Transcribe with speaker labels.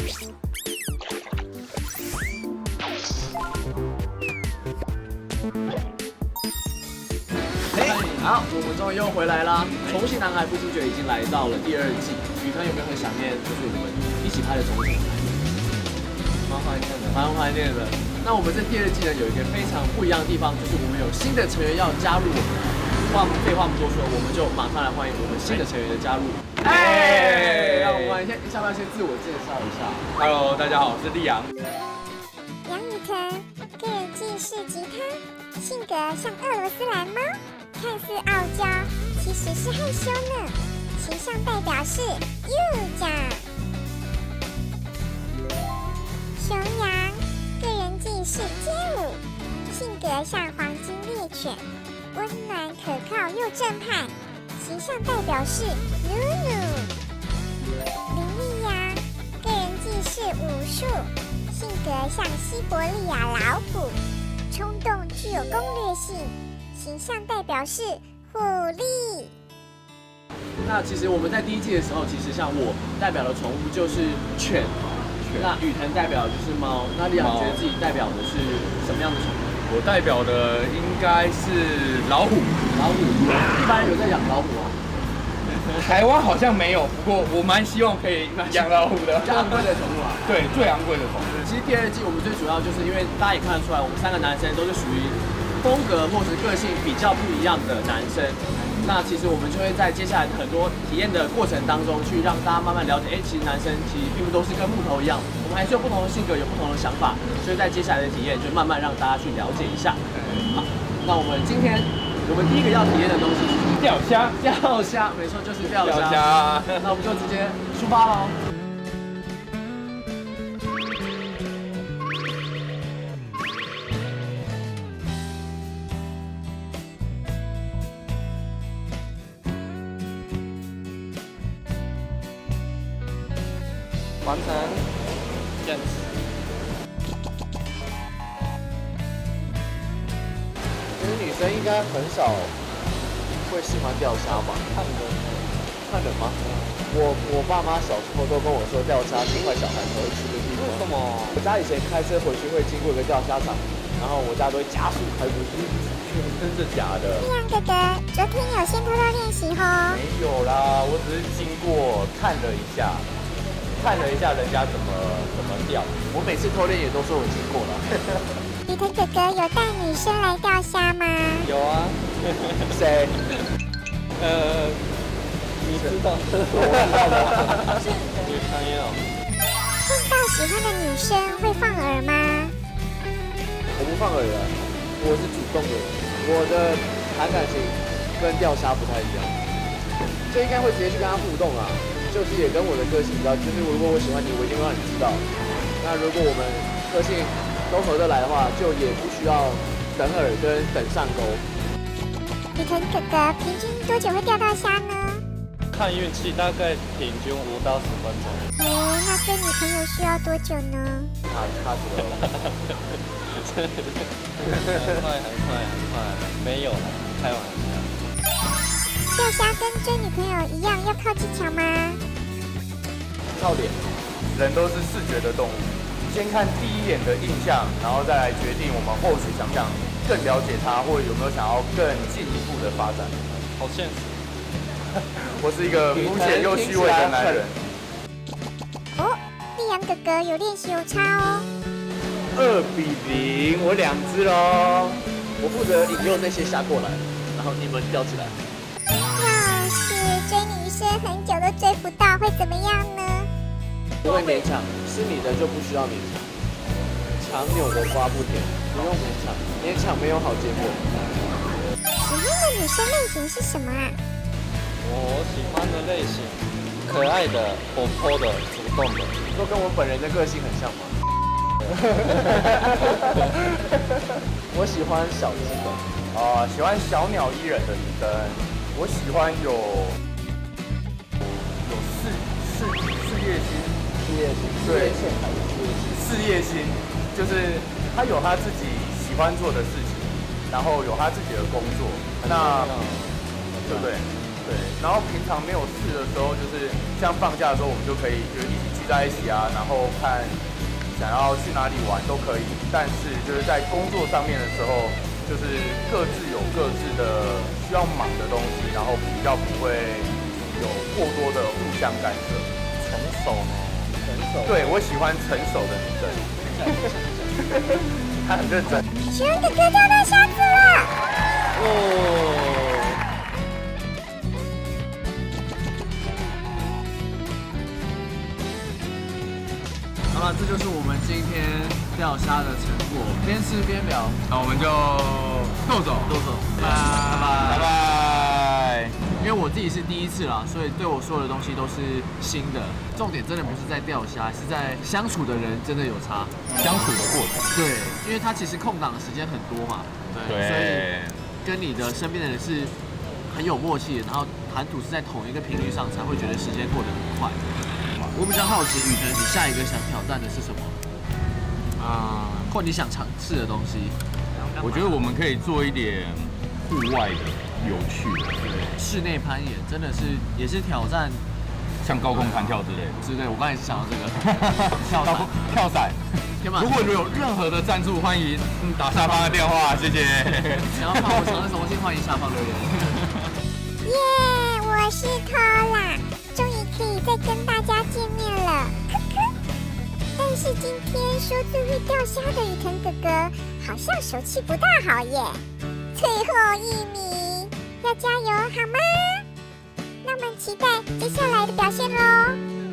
Speaker 1: 好，我们终于又回来啦！重庆男孩不知觉已经来到了第2季，宇腾有没有很想念就是我们一起拍的重庆男孩？蛮怀念的，蛮怀念的。那我们这第2季呢，有一个非常不一样的地方，就是我们有新的成员要加入我们。废话不多说，我们就马上来欢迎我们新的成员的加入。让我们要不要先自我介绍一下
Speaker 2: ？Hello， 大家好，我是立阳。
Speaker 3: 杨宇腾，个人技是吉他，性格像俄罗斯蓝猫，看似傲娇，其实是害羞呢。形象代表是 U 酱。熊羊，个人技是街舞，性格像黄金猎犬，温暖可靠又正派，形象代表是努努。林丽阳，个人技是武术，性格像西伯利亚老虎，冲动具有攻略性，形象代表是虎力。
Speaker 1: 那其实我们在第1季的时候，其实像我代表的宠物就是犬，那宇腾代表的就是猫。那立阳觉得自己代表的是什么样的宠物？
Speaker 2: 我代表的应该是老虎。
Speaker 1: 老虎，一般人有在养老虎啊？
Speaker 2: 台湾好像没有，不过我蛮希望可以养老虎的。
Speaker 1: 最昂贵的宠物啊？
Speaker 2: 对，最昂贵的宠物。
Speaker 1: 其实第2季我们最主要就是因为大家也看得出来，我们3个男生都是属于风格或是个性比较不一样的男生。那其实我们就会在接下来很多体验的过程当中，去让大家慢慢了解，其实男生其实并不都是跟木头一样，我们还是有不同的性格，有不同的想法。所以在接下来的体验，就慢慢让大家去了解一下。好，那我们今天我们第一个要体验的东西是
Speaker 2: 钓虾。
Speaker 1: 钓虾，没错，就是钓虾。
Speaker 2: 钓虾。
Speaker 1: 那我们就直接出发喽。
Speaker 2: 完成，坚持。
Speaker 1: 其实女生应该很少会喜欢钓虾吧？看人吗？我爸妈小时候都跟我说，钓虾是坏小孩才会去的地方。
Speaker 2: 为什么？
Speaker 1: 我家以前开车回去会经过一个钓虾场，然后我家都会加速开过去。
Speaker 2: 真的假的？
Speaker 3: 立阳哥哥，昨天有先偷偷练习吼？
Speaker 2: 没有啦，我只是经过看了一下人家怎么钓。
Speaker 1: 我每次偷练也都说我经过了。
Speaker 3: 宇腾哥哥有带女生来钓虾吗？
Speaker 2: 有啊。
Speaker 1: 谁？
Speaker 2: 你知道？
Speaker 1: 我知道的。
Speaker 2: 女朋友。
Speaker 3: 碰到喜欢的女生会放饵吗？
Speaker 1: 我不放饵的，我是主动的。我的谈感情跟钓虾不太一样，就应该会直接去跟他互动啊。就是也跟我的个性比较，就是如果我喜欢你，我一定会让你知道。那如果我们个性都合得来的话，就也不需要等饵跟等上钩。
Speaker 3: 宇腾哥哥平均多久会钓到虾呢？
Speaker 2: 看运气，大概平均5到10分钟。
Speaker 3: 那追女朋友需要多久呢？
Speaker 1: 卡死了。
Speaker 2: 很快，没有了，开玩笑。
Speaker 3: 钓虾跟追女朋友一样要靠技巧吗？
Speaker 1: 靠脸。
Speaker 2: 人都是视觉的动物，先看第一眼的印象，然后再来决定我们后续想不想更了解他，或者有没有想要更进一步的发展。好现实。我是一个肤浅又虚伪的男人。
Speaker 3: 哦，立阳哥哥有练习有差哦。
Speaker 1: 2比0，我2只喽。我负责引诱那些虾过来，然后你们钓起来。
Speaker 3: 要是追女生很久都追不到，会怎么样呢？
Speaker 1: 不会勉强，是你的就不需要勉强。强扭的瓜不甜，不用勉强，勉强没有好结果。
Speaker 3: 喜欢的女生类型是什么啊？
Speaker 2: 我喜欢的类型，可爱的、活泼的、主动的，
Speaker 1: 都跟我本人的个性很像吗？我喜欢小只的，
Speaker 2: 喜欢小鸟依人的女生。我喜欢有事业心，对，事业心，就是他有他自己喜欢做的事情，然后有他自己的工作，那对不对？ 对，然后平常没有事的时候，就是像放假的时候，我们就可以就一起聚在一起啊，然后看想要去哪里玩都可以。但是就是在工作上面的时候，就是各自有各自的需要忙的东西，然后比较不会有过多的互相干涉。
Speaker 4: 成熟呢？成熟。
Speaker 2: 对，我喜欢成熟的女生。她很认真。
Speaker 3: 熊哥哥钓到虾子了！
Speaker 1: 哦。好了，这就是我们今天钓虾的成果，边吃边聊。
Speaker 2: 那我们就豆走，
Speaker 1: 拜拜。
Speaker 2: 拜拜。
Speaker 1: 因为我自己是第一次啦，所以对我所有的东西都是新的。重点真的不是在钓虾，是在相处的人真的有差。
Speaker 4: 相处的过程。
Speaker 1: 对，因为他其实空档的时间很多嘛，对，所以跟你的身边的人是很有默契的，然后谈吐是在同一个频率上，才会觉得时间过得很快。我比较好奇，雨腾，你下一个想挑战的是什么？或你想尝试的东西？
Speaker 4: 我觉得我们可以做一点户外的、有趣的，
Speaker 1: 室内攀岩真的是也是挑战
Speaker 4: 像高空弹跳之类的。
Speaker 1: 之类。我刚才也是想到这个跳伞。天马，
Speaker 4: 如果有任何的赞助，欢迎打下方的电话，谢谢。
Speaker 1: 想要看我尝试什么，欢迎下方留言。
Speaker 3: 耶，我是Tola，终于可以再跟大家见面了，科科。但是今天说最会钓虾的雨腾哥哥，好像手气不大好耶。最后1名，要加油好吗？那我们期待接下来的表现喽。